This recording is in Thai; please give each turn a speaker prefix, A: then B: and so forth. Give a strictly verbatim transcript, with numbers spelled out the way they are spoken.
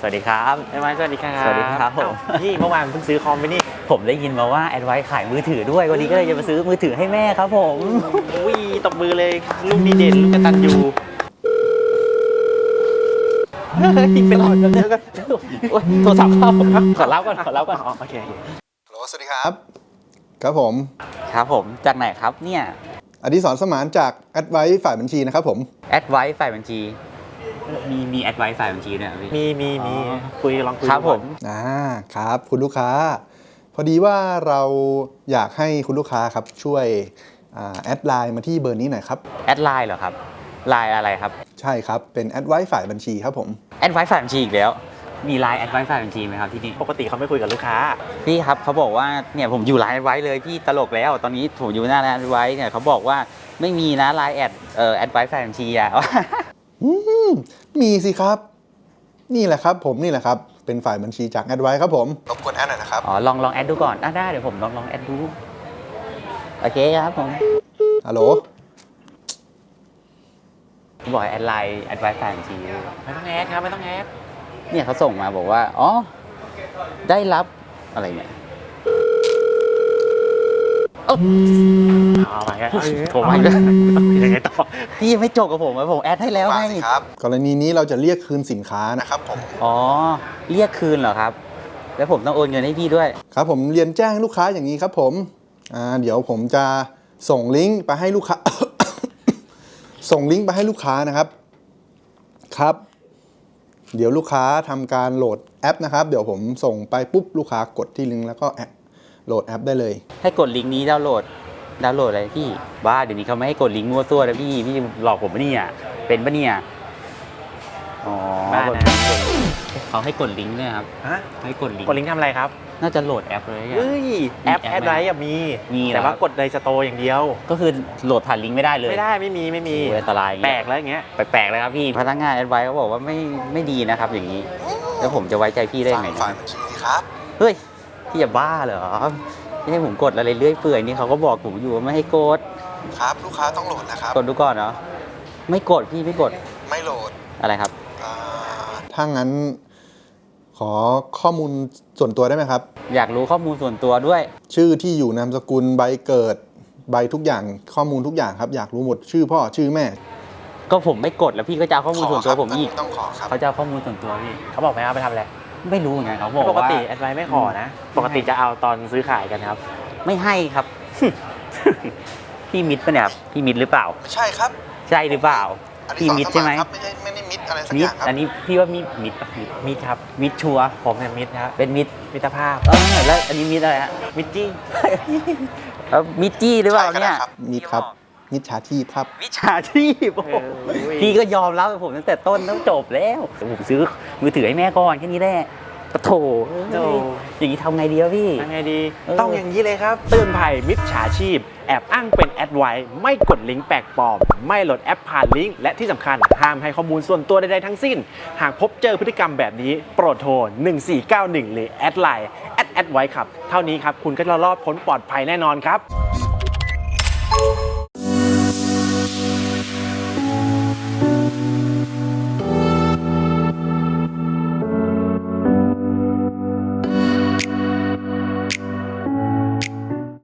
A: วัสดีครับ
B: ไอ้ไม้สวัสดีครับ
A: สวัสดีครับผม
B: พี่เมื่อวานเพิ่งซื้อคอมไปนี่
A: ผมได้ยินมาว่าแอดไวซ์ขายมือถือด้วยวันนี้ก็เลยจะมาซื้อมือถือให้แม่ครับผม
B: อุ้ยตบมือเลยลูกดีเด่นลูกกตัญญู
A: เป็นอะไรกันเนี่ยโทรศัพท์เข้าขอรับก่อนขอรับก่อน
B: โอเค
C: ฮัลโหลสวัสดีครับครับผม
A: ครับผมจากไหนครับเนี่ย
C: อดิศรสมานจากแอดไวซ์ฝ่ายบัญชีนะครับผม
A: แอดไวซ์ฝ่ายบัญชีมีมีแอดไวซ์ฝ่ายบัญชีเนี่ย
B: มีมีมีคุยลองคุย
A: ครับผม
C: อ่าครับคุณลูกค้าพอดีว่าเราอยากให้คุณลูกค้าครับช่วยแอดไลน์มาที่เบอร์นี้หน่อยครับ
A: แอดไลน์เหรอครับไลน์อะไรครับ
C: ใช่ครับเป็นแอดไวซ์ฝ่ายบัญชีครับผม
A: แอดไวซ์ฝ่ายบัญชีอีกแล้วมีไลน์แอดไวซ์ฝ่ายบัญชีไหมครับที่นี่
B: ปกติเขาไม่คุยกับลูกค้า
A: พี่ครับเขาบอกว่าเนี่ยผมอยู่ไลน์แอดไวซ์เลยพี่ตลกแล้วตอนนี้ผมอยู่หน้าไลน์แอดไวซ์เนี่ยเขาบอกว่าไม่มีนะไลน์แอดเอ่อแอดไวซ์ฝ่ายบัญชีอ่ะ
C: มีสิครับนี่แหละครับผมนี่แหละครับเป็นฝ่ายบัญชีจากแอดไวซ์ครับผมรบกวนแอดหน่อยนะครับ
A: อ๋อลองลองแอดดูก่อนได้เดี๋ยวผมลองลองแอดดูโอเคครับผม
C: ฮัลโหล
A: บอกแอดไลน์แอดไวซ์ฝ่ายบัญชี
B: ไม่ต้องแอดครับไม่ต้องแอด
A: เนี่ยเขาส่งมาบอกว่าอ๋อได้รับอะไรเนี่ย
B: เอาไปกันผมไปกันยังไงต่อ
A: พี่ไม่จบกับผมผมแอดให้แล้วไง
C: ครับกรณีนี้เราจะเรียกคืนสินค้านะครับผม
A: อ๋อเรียกคืนเหรอครับแล้วผมต้องโอนเงินให้พี่ด้วย
C: ครับผมเรียนแจ้งลูกค้าอย่างนี้ครับผมอ่าเดี๋ยวผมจะส่งลิงก์ไปให้ลูกค้า ส่งลิงก์ไปให้ลูกค้านะครับครับเดี๋ยวลูกค้าทำการโหลดแอปนะครับเดี๋ยวผมส่งไปปุ๊บลูกค้ากดที่ลิงก์แล้วก็แอปโหลดแอปได้เลย
A: ให้กดลิงก์นี้ดาวน์โหลดดาวน์โหลดอะไรพี่บ้าเดี๋ยวนี้เขาไม่ให้กดลิงก์มั่วซั่วนะพี่พี่หลอกผมปะเนี่ยเป็นปะเนี่ยอ๋อ
B: บ้านะ
A: เขาให้กดลิงก์เนี่ยครับ
B: ฮะ
A: ให้กดลิงก์
B: กดลิงก์ทำอะไรครับ
A: น่าจะโหลดแอปเลย
B: เฮ้ยแอปแอดไลน์มี
A: มี
B: แต่ว่ากดในสโตร์อย่างเดียว
A: ก็คือโหลดผ่านลิงก์ไม่ได้เลย
B: ไม่ได้ไม่มีไม่มี
A: อันตราย
B: แปลกแล้วอย่างเงี้ย
A: แปลกเลยครับพี่พนักงานแอดไวซ์เขาบอกว่าไม่ไม่ดีนะครับอย่างนี้แล้วผมจะไว้ใจพี่ได้ไง
C: ฝ่ายบัญชีครับ
A: เฮ้ยพี่อย่าบ้าเหรอไม่ให้ผมกดอะไรเรื่อยเปื่อยนี่เขาก็บอกผมอยู่ว่าไม่ให้กด
C: ครับลูกค้าต้องโหลดนะครับ
A: กดดูก่อนเนาะไม่กดพี่ไม่กด
C: ไม่โหลด
A: อะไรครับ
C: ถ้างั้นขอข้อมูลส่วนตัวได้ไหมครับ
A: อยากรู้ข้อมูลส่วนตัวด้วย
C: ชื่อที่อยู่นามสกุลใบเกิดใบทุกอย่างข้อมูลทุกอย่างครับอยากรู้หมดชื่อพ่อชื่อแม่
A: ก็ผมไม่กดแล้วพี่ก็จะเอาข้อมูลส่วนตัวผมอีก
C: ต้องขอครับ
A: เขาจะเอาข้อมูลส่วนตัวพี่
B: เขาบอกไหมเอาไปทำอะไร
A: ไม่รู้ไงเขาบอกว่า
B: ปกติแอดไวซ์ไม่ขอนะปกติจะเอาตอนซื้อขายกันครับ
A: ไม่ให้ครับพี่มิดปะเนี่ยครับพี่มิดหรือเปล่า
C: ใช่ครับ
A: ใช่หรือเปล่าพี่มิดใช่ไหม
C: ไม่ใช่ไม่ได้มิดอะไรสักอย่างครับ
A: อันนี้พี่ว่ามิดมิดปะ
B: มิดครับ
A: มิดชัว
B: ผมเนี่ยมิดครับ
A: เป็นมิด
B: มิตรภาพ
A: เออแล้วอันนี้มิดอะไรฮะ
B: มิดจี้
A: เออมิดจี้หรือเปล่าเนี่ย
C: มิดครับมิจฉาชีพครับ
A: มิจฉาชีพพี่ก็ยอมรับผมตั้งแต่ต้นต้องจบแล้วผมซื้อมือถือให้แม่ก่อนแค่นี้แหละโถอย่างนี้ทำไงดีวะพี่
B: ทำไงดีต้องอย่างนี้เลยครับเตือนภัยมิจฉาชีพแอบอ้างเป็นแอดไวซ์ไม่กดลิงก์แปลกปลอมไม่โหลดแอปผ่านลิงก์และที่สำคัญห้ามให้ข้อมูลส่วนตัวใดๆทั้งสิ้นหากพบเจอพฤติกรรมแบบนี้โปรดโทรหนึ่งสี่เก้าหนึ่งหรือแอดไลน์แอดแอดไวซ์ครับเท่านี้ครับคุณก็จะรอดพ้นปลอดภัยแน่นอนครับ